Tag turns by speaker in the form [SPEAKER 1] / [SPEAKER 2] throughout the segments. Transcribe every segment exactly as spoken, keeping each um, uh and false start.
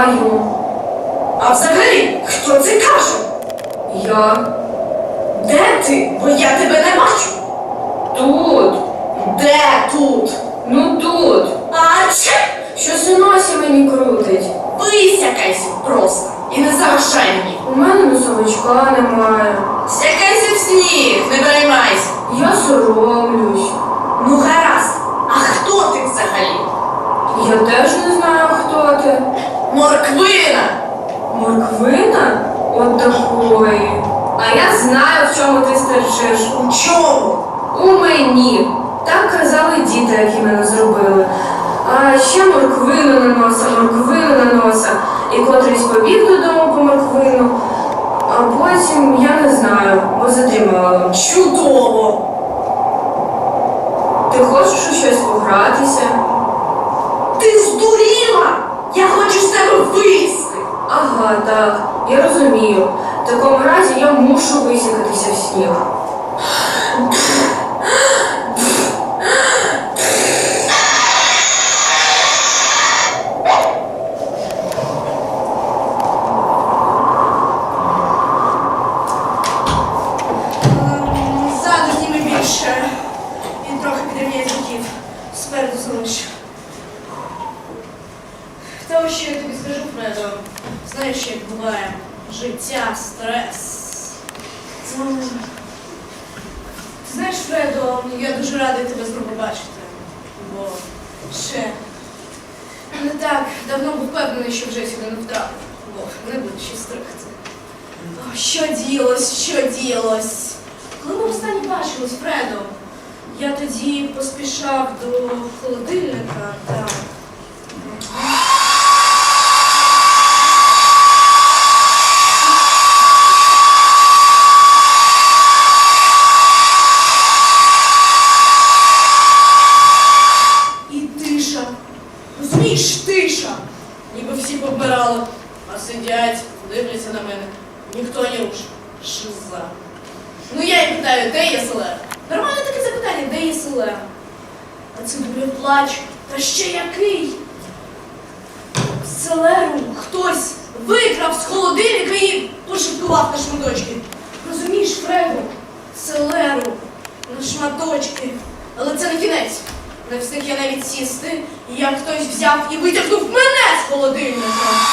[SPEAKER 1] знаю.
[SPEAKER 2] А взагалі, хто це каже?
[SPEAKER 1] Я
[SPEAKER 2] Де ти? Бо я тебе не бачу.
[SPEAKER 1] тут.
[SPEAKER 2] Де тут?
[SPEAKER 1] Ну тут.
[SPEAKER 2] А чи?
[SPEAKER 1] Щось у носі мені крутить.
[SPEAKER 2] Висякайся просто і не заважай мені.
[SPEAKER 1] У мене носовичка немає.
[SPEAKER 2] Сякайся в сніг, не переймайся.
[SPEAKER 1] Я соромлюсь.
[SPEAKER 2] Ну гаразд, а хто ти взагалі?
[SPEAKER 1] Я теж не знаю, хто ти.
[SPEAKER 2] Морквина!
[SPEAKER 1] Морквина? От такої. А я знаю, в чому ти стерчиш.
[SPEAKER 2] У чому?
[SPEAKER 1] У мені. Так казали діти, які мене зробили. А ще морквину на носа, морквину на носа. І котрийсь побіг додому по морквину. А потім я не знаю, бо задрімала.
[SPEAKER 2] Чудово!
[SPEAKER 1] Ти хочеш у щось погратися?
[SPEAKER 2] Ти здуріла! Я хочу з тебе вилізти!
[SPEAKER 1] Ага, так, я розумію. В такому разі я мушу висякатися в сніг.
[SPEAKER 2] Ззаду зніми більше. Він трохи підрівняє звуків. Спереду залиш. Та ось що я тобі скажу, Фредо. Знаєш, як буває життя, стрес. М. Ти знаєш, Фредо, я дуже радий тебе знову бачити. Бо ще не так давно був впевнений, що вже сюди не втрапив. Бо не буде ще стригти. О, що діялось, що діялось? Коли ми останні бачились, Фредо, я тоді поспішав до холодильника та... І тиша. Розумієш, тиша. Ніби всі повмирали, а сидять, дивляться на мене. Ніхто не рушить. Шиза. Ну я й питаю, де є селер? Нормальне таке запитання, де є селер? А це дурний плач. Та ще який? Селеру хтось викрав з холодильника і пошиткував на шматочки. Розумієш, Фредо? Селеру на шматочки. Але це не кінець. Не встиг я навіть сісти, як хтось взяв і витягнув мене з холодильника.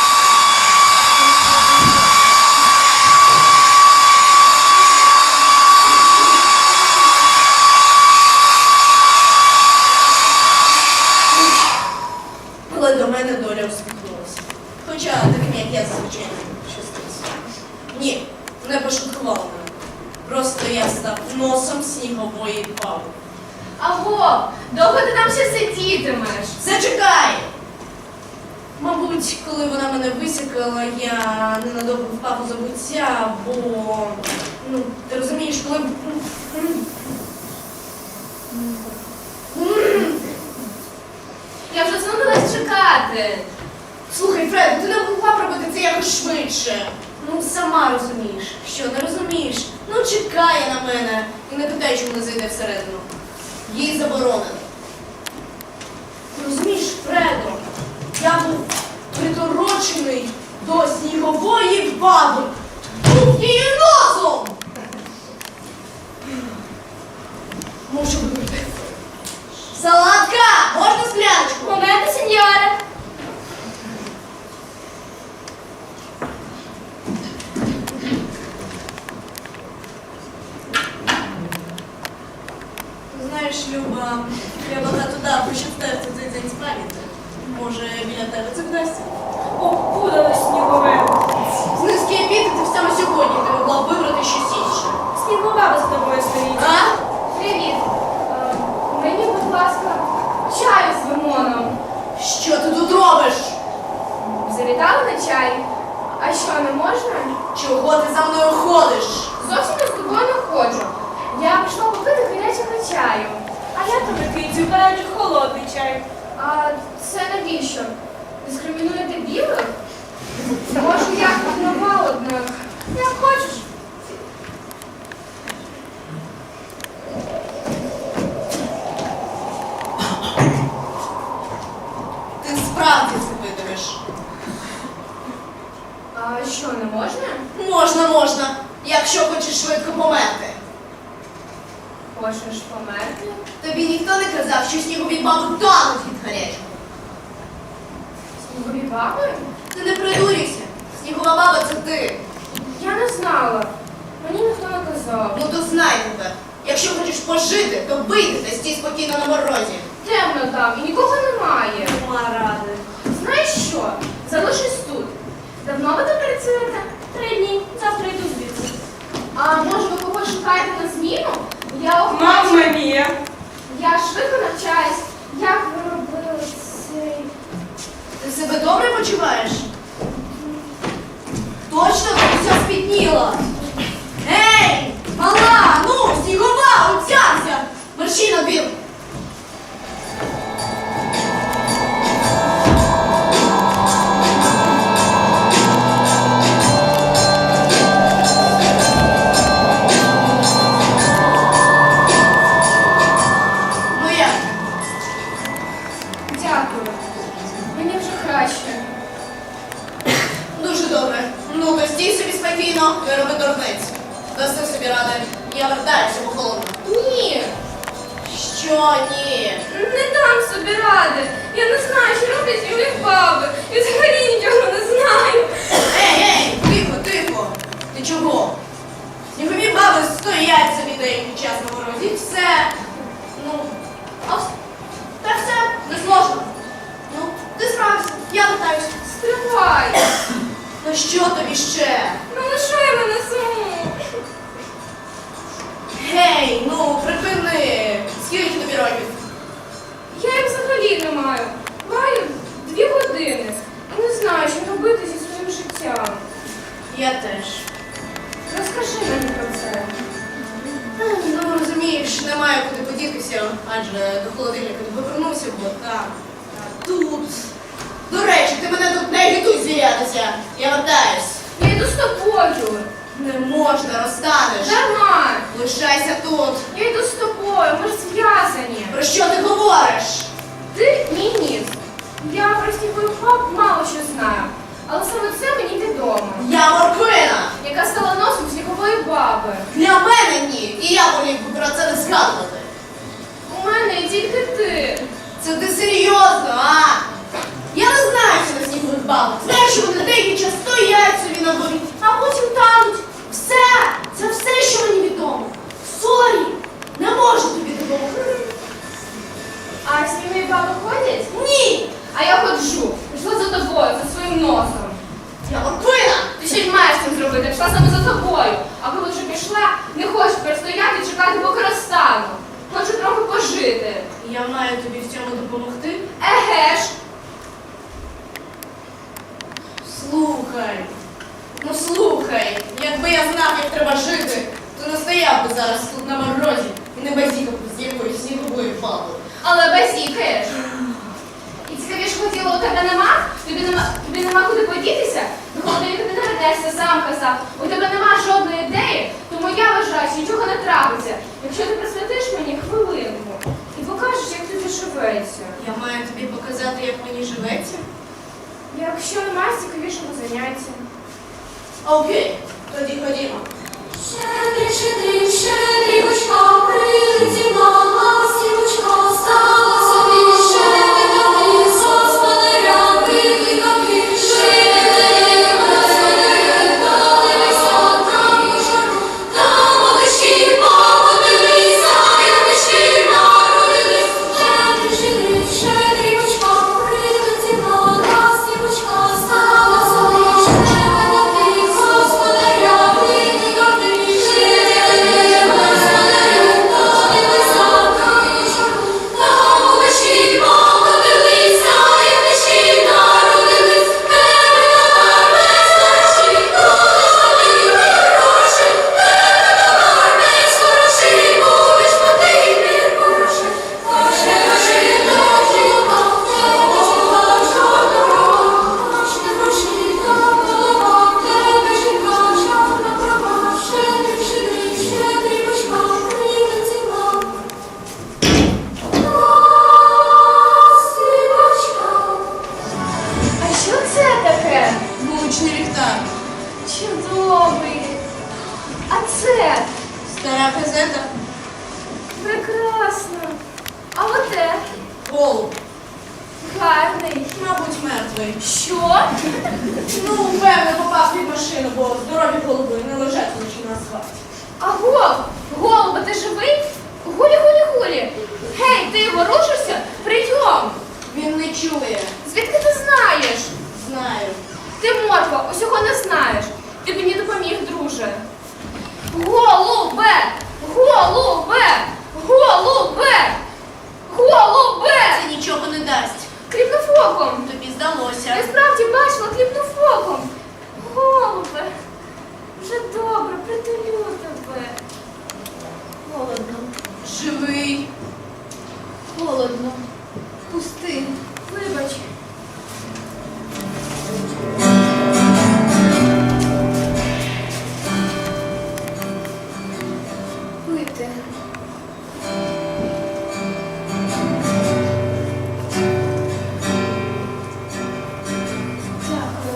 [SPEAKER 2] Але до мене доля усміхнулася. Хоча таким, як я, звичайно, щастився. Ні, не пошуткувала мене. Просто я став носом снігової баби.
[SPEAKER 3] Аго, довго ти там ще сидітимеш?
[SPEAKER 2] Зачекай! Мабуть, коли вона мене висікала, я ненадовго впав у забуття, бо, ну, ти розумієш, коли...
[SPEAKER 3] Я вже зновилась чекати.
[SPEAKER 2] Слухай, Фред, ти не могла б робити це якось швидше. Ну, сама розумієш. Що, не розумієш? Ну, чекає на мене і не питай, чому не зайде всередину. Їй заборонено. Ти розумієш, Фредо, я був приторочений до снігової баби. Був її носом! Мушу вибрати. Салатка! Можна скляночку?
[SPEAKER 3] Моменти, сеньоре.
[SPEAKER 2] Знаєш, Люба, я багато дав, щоб втерти цей день з пам'яті. Може, біля тебе це вдасться?
[SPEAKER 3] Опудали снігове.
[SPEAKER 2] З низки епітетів саме сьогодні ти могла б вибрати щось інше.
[SPEAKER 3] Снігова з тобою стоїть.
[SPEAKER 2] А?
[SPEAKER 3] Привіт. Е, Мені, будь ласка, чаю з лимоном.
[SPEAKER 2] Що ти тут робиш?
[SPEAKER 3] Завітали на чай? А що, не можна?
[SPEAKER 2] Чого ти за мною ходиш?
[SPEAKER 3] Зовсім не з тобою не ходжу. Я прийшла попити гарячого чаю. А я тобі кицю гарячий холодний чай. А це навіщо? Дискримінуєте білих? Може, я нова, однак. Як хочеш.
[SPEAKER 2] Ти справді запитуєш.
[SPEAKER 3] А що, не можна?
[SPEAKER 2] Можна, можна, якщо хочеш швидко померти.
[SPEAKER 3] Хочеш померти?
[SPEAKER 2] Тобі ніхто не казав, що снігові баби тануть від гарячого.
[SPEAKER 3] Снігові баби?
[SPEAKER 2] Ти не придурюйся. Снігова баба це ти.
[SPEAKER 3] Я не знала. Мені ніхто не казав.
[SPEAKER 2] Ну то знай тепер. Якщо хочеш пожити, то вийди та стій спокійно на морозі.
[SPEAKER 3] Темно там і нікого немає.
[SPEAKER 2] Нема ради.
[SPEAKER 3] Знаєш що? Залишись тут. Давно ви тут працюєте? Три дні. Завтра йду звідси. А може ви когось шукаєте на зміну? Я охочу.
[SPEAKER 1] Мамма мія!
[SPEAKER 3] Я швидко навчаюсь. Як ви робили цей...
[SPEAKER 2] Ти себе добре почуваєш? Точно ти вся спітніла? Ей, мала, ну, снігова, отцямся! Мерщій на двір! Ну як?
[SPEAKER 3] Дякую. Мені вже краще.
[SPEAKER 2] Дуже добре. Ну, то стій собі спокійно, не роби дурниць. Даси собі ради. Я вертаюся по холодну.
[SPEAKER 3] Ні,
[SPEAKER 2] Що ні?
[SPEAKER 3] не дам собі ради. Я не знаю, що роблять снігові баби. І взагалі нічого не знаю.
[SPEAKER 2] Ей, ей, тихо, тихо. Ти чого? Снігові баби стоять собі деякий час на морозі. І все. Ну, а вс- та все, не сложно. Ну, ти справишся, я вертаюся.
[SPEAKER 3] Стривай.
[SPEAKER 2] Ну що тобі ще?
[SPEAKER 3] Ну лишай мене саму.
[SPEAKER 2] Гей, ну припини. Скільки тобі років?
[SPEAKER 3] Я їх взагалі не маю. Маю дві години. І не знаю, що робити зі своїм життям.
[SPEAKER 2] Я теж.
[SPEAKER 3] Розкажи мені про це.
[SPEAKER 2] Ну, розумієш, немає куди подітися, адже до холодильника не повернувся, бо так. А тут. До речі, ти мене тут не агітуй звірятися. Я вертаюсь.
[SPEAKER 3] Я йду з тобою.
[SPEAKER 2] Не можна, розстанеш.
[SPEAKER 3] Дарма.
[SPEAKER 2] Лишайся тут.
[SPEAKER 3] Я йду з тобою, ми ж зв'язані.
[SPEAKER 2] Про що ти говориш?
[SPEAKER 3] Ти мій ніс. Я про снігових баб мало що знаю. Але саме це мені відомо.
[SPEAKER 2] Я морквина.
[SPEAKER 3] Яка стала носом снігової баби.
[SPEAKER 2] Для мене ні. І я волів би про це не згадувати.
[SPEAKER 3] У мене є тільки ти.
[SPEAKER 2] Це ти серйозно, а? Я не знаю, що на снігових бабах. Знаєш, що вони деякий час стоять собі на дворі, а потім тануть. Все. Це все, що мені відомо. Сорі. Не можу тобі допомогти.
[SPEAKER 3] А снігові баби ходять?
[SPEAKER 2] Ні.
[SPEAKER 3] А я ходжу. Пішла за тобою, за своїм носом.
[SPEAKER 2] Я морквина.
[SPEAKER 3] Ти ще й маєш цим зробити, пішла саме за тобою. А коли вже пішла, не хочу тепер стояти і чекати, поки розстану. Хочу трохи пожити.
[SPEAKER 2] Я маю тобі в цьому допомогти.
[SPEAKER 3] Еге ж.
[SPEAKER 2] Слухай. Ну слухай. Якби я знав, як треба жити, то не стояв би зараз тут на морозі і не базікав би з якоюсь сніговою бабою.
[SPEAKER 3] Але базікаєш. І цікавіше хотіло, у тебе нема? Тобі нема, тобі нема куди подітися? До холодильника ти не вернешся, сам казав. У тебе нема жодної ідеї, тому я вважаю, що нічого не трапиться. Якщо ти присвятиш мені хвилинку і покажеш, як тобі живеться.
[SPEAKER 2] Я маю тобі показати, як мені живеться?
[SPEAKER 3] Якщо немає цікавішого заняття.
[SPEAKER 2] Окей, тоді ходімо.
[SPEAKER 4] Щедрий, щедрий, щедрівочка, прилетіла, сівочка, стала собі, щедрий, господаря, викликати, щедрий, господаря, дивися, там у жару, там малички, подивися, янички народились. Щедрий, щедрий, щедрівочка, прилетіла, сівочка, стала собі, щедрий, господаря, викликати, щедрий, господаря, дивися, там у жару, там малички, подивися, янички народились. Тебе товар без грошей, будеш потрібні гроші. Тебе товар без грошей, будеш потрібні гроші. Гроші, гроші, гроші, гроші, гроші,
[SPEAKER 3] Чудовий. А це
[SPEAKER 2] Стара газета.
[SPEAKER 3] прекрасно. А оте
[SPEAKER 2] Голуб.
[SPEAKER 3] гарний.
[SPEAKER 2] Мабуть, мертвий.
[SPEAKER 3] Що?
[SPEAKER 2] Ну, певно, попав під машину, бо здорові голуби не лежать лише на асфальті.
[SPEAKER 3] А гол, голуба, ти живий? Гулі, гулі, гулі. Гей, ти ворушишся? Прийом.
[SPEAKER 2] Він не чує.
[SPEAKER 3] Звідки ти знаєш?
[SPEAKER 2] Знаю.
[SPEAKER 3] Ти морква, усього не знаєш. Ти мені допоміг, друже. Голубе! Голубе! Голубе! Голубе!
[SPEAKER 2] Це нічого не дасть.
[SPEAKER 3] Кліпнув оком.
[SPEAKER 2] Тобі здалося.
[SPEAKER 3] Я справді бачила, кліпнув оком. Голубе! Вже добре, притулю тебе.
[SPEAKER 2] Холодно. Живий. Холодно. Пусти.
[SPEAKER 3] Вибач.
[SPEAKER 2] Пити.
[SPEAKER 3] Дякую.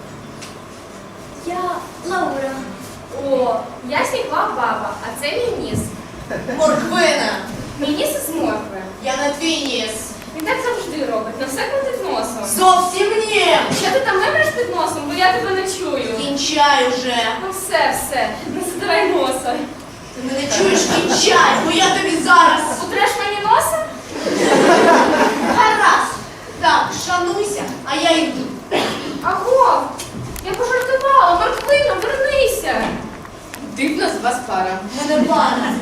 [SPEAKER 4] Я Лаура.
[SPEAKER 3] О, я снігова баба, а це мій ніс.
[SPEAKER 2] Морквина.
[SPEAKER 3] Мій ніс із моркви.
[SPEAKER 2] Я на твій ніс.
[SPEAKER 3] Він так завжди робить, на все крутить носом.
[SPEAKER 2] Зовсім ні.
[SPEAKER 3] Що ти там мемреш під носом, бо я тебе не чую.
[SPEAKER 2] Кінчай уже.
[SPEAKER 3] Ну все, все, не задавай носа.
[SPEAKER 2] Ти мене чуєш? Кінчай, бо я тобі зараз.
[SPEAKER 3] Утреш мені носа?
[SPEAKER 2] Гаразд. Так, шануйся, а я йду.
[SPEAKER 3] Аго, я пожартувала, морквино, вернися. Дивна з вас пара.
[SPEAKER 2] Мене пара.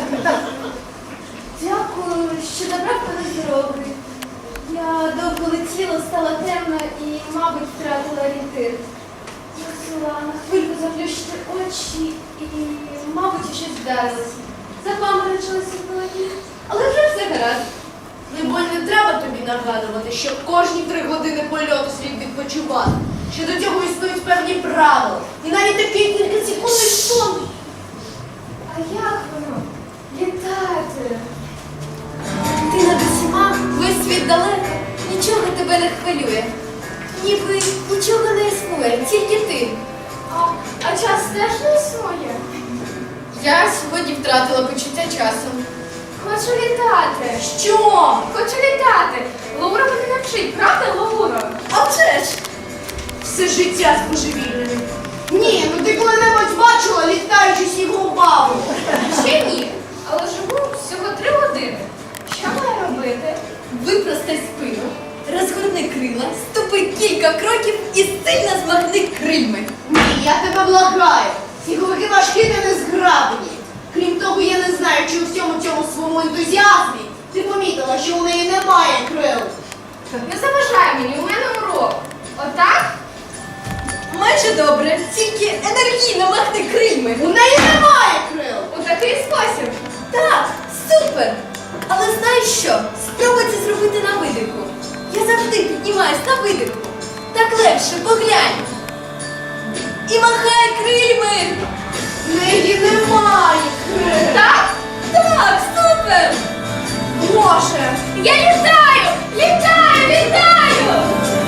[SPEAKER 4] Дякую, що добрав мене з дороги. Я довго летіла, стала темна і, мабуть, втратила орієнтир. Мусила на хвильку заплющити очі і, мабуть, щось вдарилось. Запаморочилася в голові, але вже все гаразд.
[SPEAKER 2] Либонь, не треба тобі нагадувати, що кожні три години польоту слід відпочивати, що до цього існують певні правила. І навіть такий кількасекундний сон.
[SPEAKER 4] А як воно? Літати? Ти над усіма, весь світ далеко, нічого тебе не хвилює. Ніби нічого не існує, тільки ти.
[SPEAKER 3] А, а час теж не існує.
[SPEAKER 5] Я сьогодні втратила почуття часу.
[SPEAKER 3] Хочу літати.
[SPEAKER 2] Що?
[SPEAKER 3] Хочу літати. Лаура мене навчить, правда, Лаура?
[SPEAKER 2] А вже ж! Все життя з божевільними. Ні, ну ти коли-небудь бачила літаючу снігову бабу?
[SPEAKER 3] Ще ні. Але живу всього три години. Що маю робити?
[SPEAKER 5] Випростай спину, розгорни крила, ступи кілька кроків і сильно змахни крильми.
[SPEAKER 2] Ні, я тебе благаю. Сніговики важкі та незграбні. Крім того, я не знаю, чи у всьому цьому своєму ентузіазмі ти помітила, що у неї немає крил.
[SPEAKER 3] Не заважай мені, у мене урок. Отак?
[SPEAKER 5] Майже добре, тільки енергійно махни крильми.
[SPEAKER 2] У неї немає крил.
[SPEAKER 3] У такий спосіб.
[SPEAKER 5] Так, супер! Але знаєш що? Спробуй це зробити на видиху. Я завжди піднімаюсь на видиху. Так легше, поглянь. І махай крильми.
[SPEAKER 2] У неї немає крил.
[SPEAKER 3] Так?
[SPEAKER 5] Так, супер!
[SPEAKER 2] Боже!
[SPEAKER 3] Я літаю! Літаю! Літаю!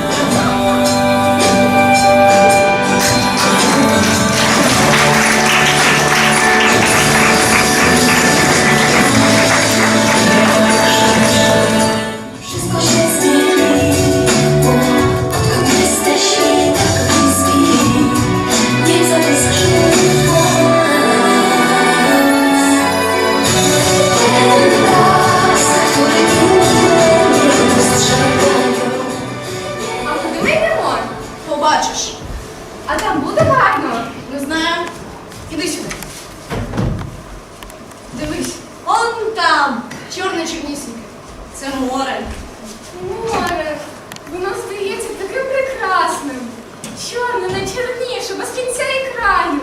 [SPEAKER 4] Wszystko się zmieni, odkąd jesteśmy tak bliski. Nie zadyskrzy ten las, który inne nie dostrzegają.
[SPEAKER 3] А куди ми йдемо?
[SPEAKER 2] Побачиш.
[SPEAKER 3] А там буде гарно?
[SPEAKER 2] Не знаю. Іди сюди. Дивись. Он там. Чорне чорнісіньке. Це море.
[SPEAKER 3] Море. Воно здається таким прекрасним. Чорне, найчорніше, без кінця і краю.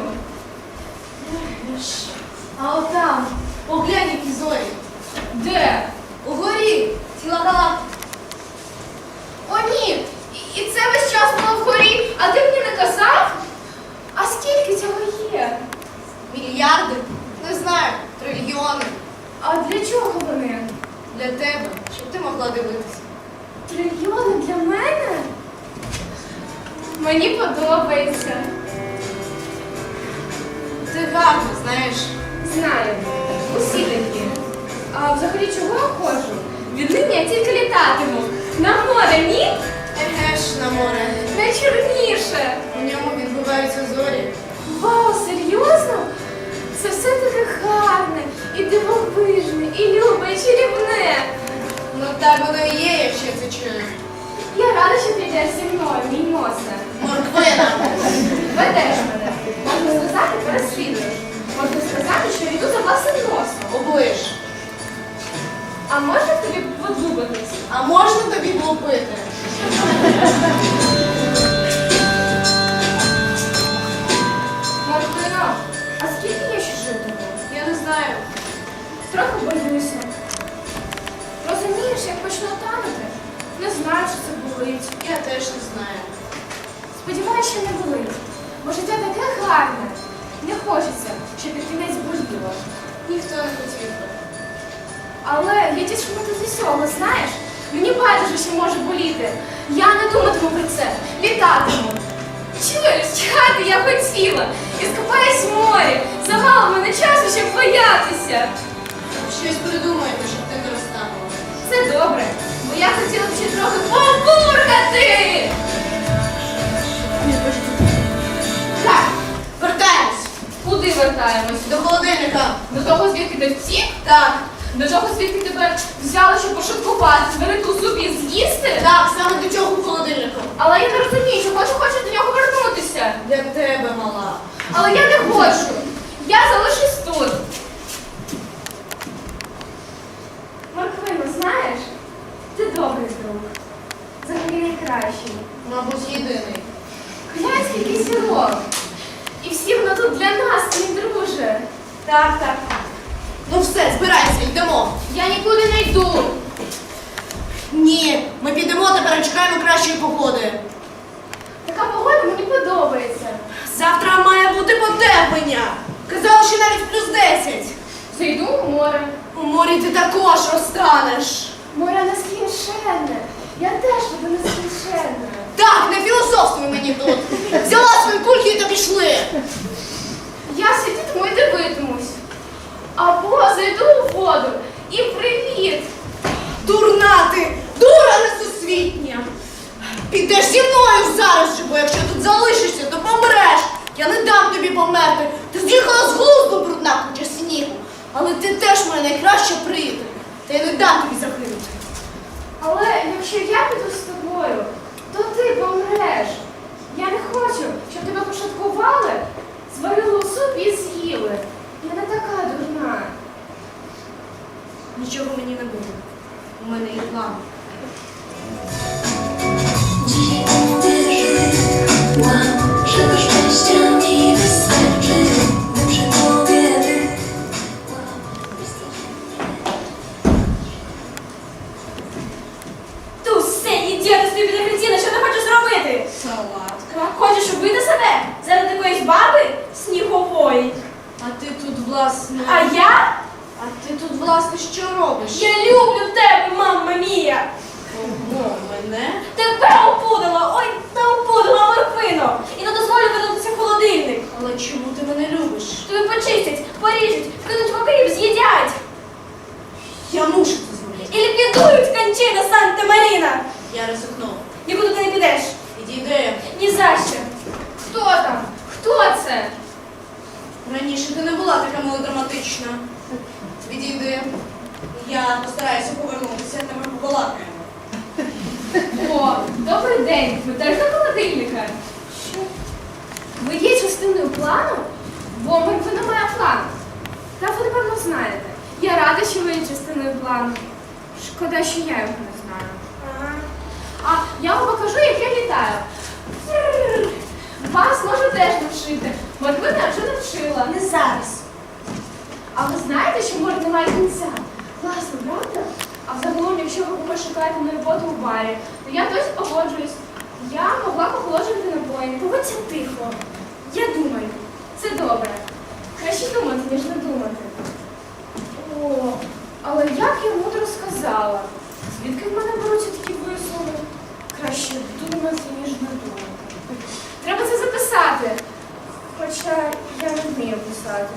[SPEAKER 2] А отам. Поглянь, які зорі.
[SPEAKER 3] Де?
[SPEAKER 2] Угорі. Ціла галактика.
[SPEAKER 3] О, ні! І і це весь час було вгорі, а ти мені не казав? А скільки цього є?
[SPEAKER 2] Мільярди. Не знаю. Трильйони.
[SPEAKER 3] А для чого вони?
[SPEAKER 2] Для тебе. Щоб ти могла дивитися.
[SPEAKER 3] Трильйони для мене? Мені подобається.
[SPEAKER 2] гарно, знаєш.
[SPEAKER 3] Знаю. Усі такі. А взагалі чого я ходжу? Віднині я тільки літатиму. На море, ні?
[SPEAKER 2] Еге ж на море.
[SPEAKER 3] Найчорніше.
[SPEAKER 2] У ньому відбуваються зорі.
[SPEAKER 3] Вау, серйозно? Це все таке гарне, і дивовижне, і любе, і чарівне.
[SPEAKER 2] Ну так воно і є, якщо я це чую.
[SPEAKER 3] Я рада, що ти йдеш зі мною, мій носе.
[SPEAKER 2] Морквина.
[SPEAKER 3] Ведеш мене. Можна сказати, переслідуєш. Можна сказати, що я йду за власним носом.
[SPEAKER 2] Оближ.
[SPEAKER 3] А можна тобі подуматись?
[SPEAKER 2] А можна тобі влупити?
[SPEAKER 3] Мартино, а скільки я ще житиму?
[SPEAKER 2] Я не знаю.
[SPEAKER 3] Трохи боюся. Розумієш, як почну танути? Не знаю, чи це болить.
[SPEAKER 2] Я теж не знаю.
[SPEAKER 3] Сподіваюся, що не болить. Бо життя таке гарне. Не хочеться, щоб під кінець боліло.
[SPEAKER 2] Ніхто не хотів би.
[SPEAKER 3] Але я тішимуся з усього, знаєш? Мені байдуже, що може боліти. Я не думатиму про це. Літатиму. Чуєш, чхати я хотіла. І скупаюсь в морі. Замало в мене часу, щоб боятися.
[SPEAKER 2] Щось придумаємо, щоб ти не розтанула.
[SPEAKER 3] Це добре, бо я хотіла б ще трохи побуркати. Так,
[SPEAKER 2] Вертаємось
[SPEAKER 3] куди вертаємось?
[SPEAKER 2] до холодильника.
[SPEAKER 3] До того, звідки ти втік?
[SPEAKER 2] Так,
[SPEAKER 3] До того, звідки тебе взяли, щоб пошуткувати, зварити у супі з'їсти?
[SPEAKER 2] так, саме до цього холодильника.
[SPEAKER 3] Але я не розумію, чого ти хочеш до нього вернутися.
[SPEAKER 2] Для тебе, мала.
[SPEAKER 3] Але я не хочу. Я залишусь тут. Морквино, знаєш, ти добрий друг. Взагалі найкращий.
[SPEAKER 2] Мабуть, єдиний.
[SPEAKER 3] Глянь, скільки зірок. І всі воно тут для нас, мій друже. Так, так.
[SPEAKER 2] Ну все, збирайся, йдемо.
[SPEAKER 3] Я нікуди не йду.
[SPEAKER 2] Ні, ми підемо тепер і чекаємо кращої погоди.
[SPEAKER 3] Така погода мені подобається.
[SPEAKER 2] Завтра має бути потеплення. Казали, що навіть плюс десять.
[SPEAKER 3] Зайду у море.
[SPEAKER 2] У морі ти також розтанеш.
[SPEAKER 3] Море нескінченне. Я теж буду нескінченна.
[SPEAKER 2] Так, не філософствуй мені тут. Взяла свої кульки і то пішли.
[SPEAKER 3] Я сидітиму і дивитимусь. Або зайду у воду і привіт.
[SPEAKER 2] Дурна ти, дура несусвітня. Підеш зі мною зараз же, бо якщо тут залишишся, то помреш. Я не дам тобі померти. Ти з'їхала з глузду, брудна куча снігу. Але ти теж моя найкраща приятель. Та я не дам тобі загинути.
[SPEAKER 3] Але якщо я піду з тобою, то ти помреш. Я не хочу, щоб тебе пошаткували, зварили у суп і з'їли. Я не така дурна.
[SPEAKER 2] Нічого мені не буде. У мене є план.
[SPEAKER 6] Dziś uwierzyłam, że do szczęścia mi wystarczy. Dobrze powiemy.
[SPEAKER 3] Ту все, ідіоти собі підрахліціна, що ти хочеш зробити?
[SPEAKER 2] Салатка.
[SPEAKER 3] Хочеш убити себе? Заради якоїсь баби? Снігової.
[SPEAKER 2] А ти тут, власне...
[SPEAKER 3] А я?
[SPEAKER 2] А ти тут, власне, що робиш?
[SPEAKER 3] Я люблю тебе, мамма мія.
[SPEAKER 2] Ого, мене?
[SPEAKER 3] Тебе опудала, ой, та опудала морквину. І не дозволю вернутися в холодильник.
[SPEAKER 2] Але чому ти мене любиш?
[SPEAKER 3] Тобі почистять, поріжуть, вкинуть в окріп, з'їдять.
[SPEAKER 2] Я мушу це зробити.
[SPEAKER 3] І ліквідують кончина Санта-Маріна.
[SPEAKER 2] Я ризикнув.
[SPEAKER 3] Нікуди ти не підеш.
[SPEAKER 2] Відійди.
[SPEAKER 3] Ні за що. Хто там? Хто це?
[SPEAKER 2] Раніше ти не була така мелодраматична. Відійди. Я постараюся повернутися, та ми побалакаємо.
[SPEAKER 3] О, добрий день. Ви теж до холодильника? Що? Ви є частиною плану? Бо Морквина має план. Та ви, напевно, знаєте. Я рада, що ви є частиною плану. Шкода, що я його не знаю. Ага. А я вам покажу, як я літаю. Фрррр. Вас можу теж навчити. Морквина вже навчила.
[SPEAKER 2] Не зараз.
[SPEAKER 3] А ви знаєте, що море немає кінця? Класно, правда? А взагалом, якщо ви комусь шукаєте на роботу у барі, то я досі погоджуюсь. Я могла похолоджувати напої. Поводься тихо. Я думаю. Це добре. Краще думати, ніж не думати. О, але як я мудро сказала. Звідки в мене беруться такі вислови? Краще думати, ніж не думати. Треба це записати. Хоча я не вмію писати.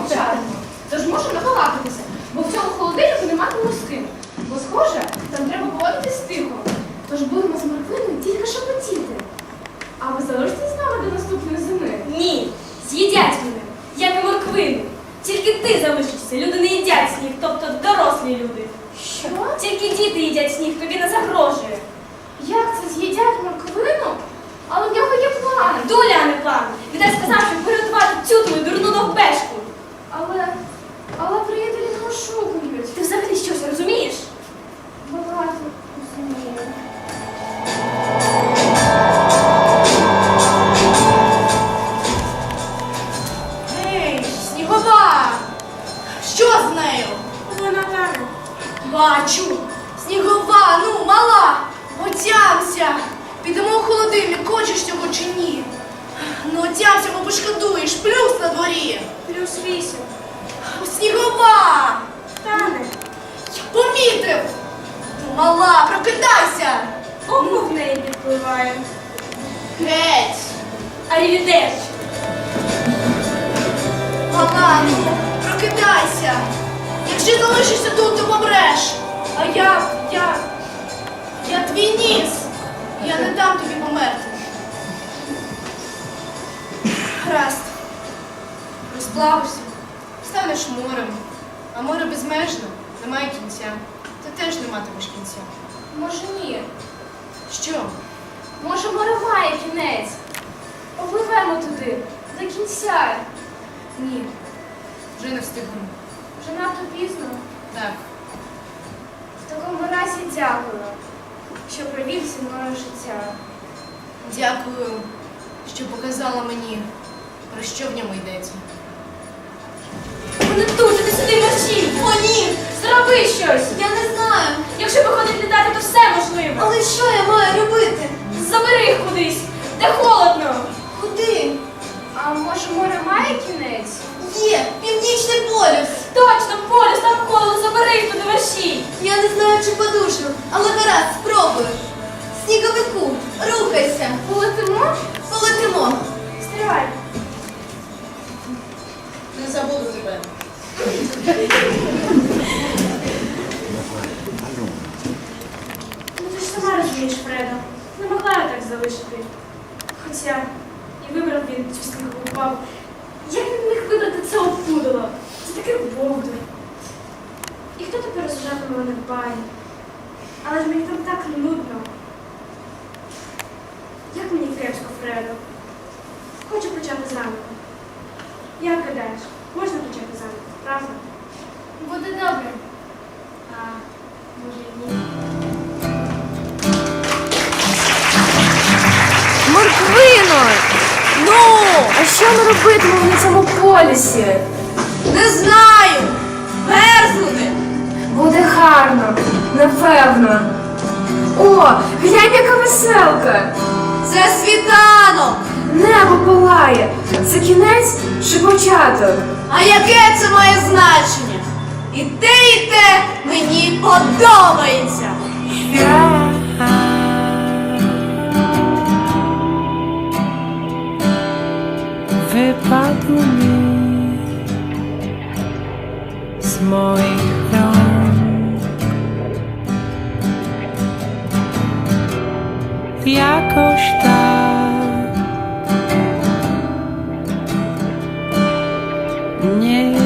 [SPEAKER 3] мовчатимемо. Тож можемо набалакатися, бо в цьому холодильнику нематимемо з ким. Бо, схоже, там треба поводитись тихо. Тож будемо з морквиною тільки шепотіти. А ви залишитесь з нами до наступної зими?
[SPEAKER 7] Ні, з'їдять мене, як і морквину. Тільки ти залишишся, люди не їдять сніг, тобто дорослі люди.
[SPEAKER 3] Що?
[SPEAKER 7] Тільки діти їдять сніг, тобі не загрожує.
[SPEAKER 3] Як це з'їдять морквину? Але в нього є план.
[SPEAKER 7] Доля, а не план. Відай сказав, щоб порятувати цю твою дурну довбешку.
[SPEAKER 3] Але, але приятелі не ошукують.
[SPEAKER 7] Ти взагалі щось розумієш?
[SPEAKER 3] Багато розумію.
[SPEAKER 2] Ей, Снігова! Що з нею?
[SPEAKER 7] Вона тане.
[SPEAKER 2] Бачу. Снігова, ну, мала, отямся. Підемо в холодильник, хочеш цього чи ні? Ну, отямся, бо пошкодуєш, плюс на дворі.
[SPEAKER 7] Плюс вісім.
[SPEAKER 2] Снігова!
[SPEAKER 7] Тане.
[SPEAKER 2] Помітив! Ну, мала, прокидайся!
[SPEAKER 7] Кому в неї підпливає?
[SPEAKER 2] Геть!
[SPEAKER 7] Арівідерч.
[SPEAKER 2] Мала, ну, прокидайся! Якщо залишишся тут, то помреш. А я, я, я твій ніс. Я не дам тобі померти. Гаразд. Розплавишся, станеш морем. А море безмежно, немає кінця. Ти теж не матимеш кінця.
[SPEAKER 3] Може ні.
[SPEAKER 2] Що?
[SPEAKER 3] Може море має кінець. Попливемо туди, до кінця.
[SPEAKER 2] Ні. Вже не встигну.
[SPEAKER 3] Вже надто пізно.
[SPEAKER 2] Так.
[SPEAKER 3] В такому разі дякую, що провів зі мною життя.
[SPEAKER 2] Дякую, що показала мені, про що в ньому йдеться.
[SPEAKER 7] Вони тут, ти сюди мерщій.
[SPEAKER 5] О, ні!
[SPEAKER 7] Зроби щось.
[SPEAKER 5] Я не знаю.
[SPEAKER 7] Якщо виходить літати, то все можливо.
[SPEAKER 5] Але що я маю робити?
[SPEAKER 7] Забери їх кудись, де холодно.
[SPEAKER 5] Куди?
[SPEAKER 3] А може море має кінець?
[SPEAKER 5] Є, північний полюс.
[SPEAKER 7] Точно, полюс, там холодно, забери їх туди мерщій.
[SPEAKER 5] Я не знаю, чи подушу, але гаразд, спробую. Сніговику, рухайся.
[SPEAKER 3] Полетимо?
[SPEAKER 5] Полетимо.
[SPEAKER 3] Стривай.
[SPEAKER 2] Не забуду тебе.
[SPEAKER 7] Ну ти ж сама розумієш, Фредо. Не могла я так залишити. Хоча і вибрав він цю снігову бабу. Як він міг вибрати це опудало? Це таке бовдур. І хто тепер розважатиме мене в бані? Але ж мені там так нудно. Як мені кепсько, Фредо? Хочу почати заново. Як гадаєш, можна почати заново, правда?
[SPEAKER 3] Буде добре.
[SPEAKER 7] А може і ні.
[SPEAKER 1] Морквино! Ну, а що ми робитимемо на цьому полюсі?
[SPEAKER 2] Не знаю! Мерзнути!
[SPEAKER 1] Буде гарно, напевно. О, глянь, яка веселка!
[SPEAKER 2] Це світанок!
[SPEAKER 1] Небо палає. Це кінець чи початок?
[SPEAKER 2] А яке це має значення? І те, і те мені подобається!
[SPEAKER 8] Wypadł mi z moich rąk jakoś tak nie